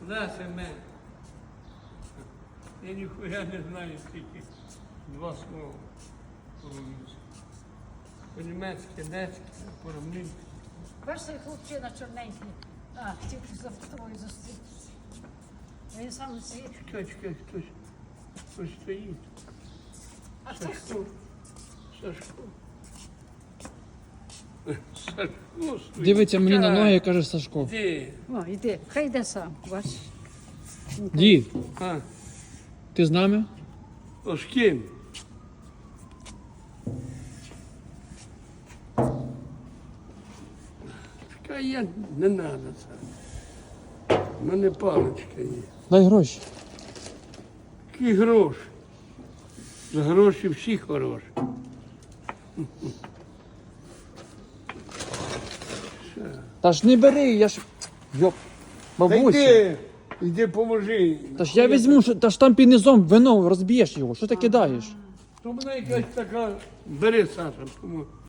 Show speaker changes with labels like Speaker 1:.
Speaker 1: Наше мене. Я ніхуя не знаю, тільки два слова по-румунськи. По-німецьки, нецьки, по-румунськи.
Speaker 2: Бачиш, цей хлопчина чорненький. Хотів за тобою зустрітися. Він сам світ.
Speaker 1: Чекай, хтось стоїть.
Speaker 2: А це
Speaker 1: Сашко. Сашко. Сашко стоїть.
Speaker 3: Дивиться мені на
Speaker 1: Чекай.
Speaker 3: ноги і каже Сашко.
Speaker 1: Іди.
Speaker 2: О, йди, хай йде сам, бачиш.
Speaker 3: Дід,
Speaker 1: А,
Speaker 3: ти з нами?
Speaker 1: то з ким? Чекай, я не треба це. У мене паличка є.
Speaker 3: Дай гроші.
Speaker 1: Які гроші? За гроші всі хороші.
Speaker 3: Та ж не бери, я ж. Йоп.
Speaker 1: Та
Speaker 3: Бабуся.
Speaker 1: йди поможи.
Speaker 3: Та ж я візьму, та ж там під низом вино розб'єш його. Що ти кидаєш?
Speaker 1: То мене якась така. Бери, Саша,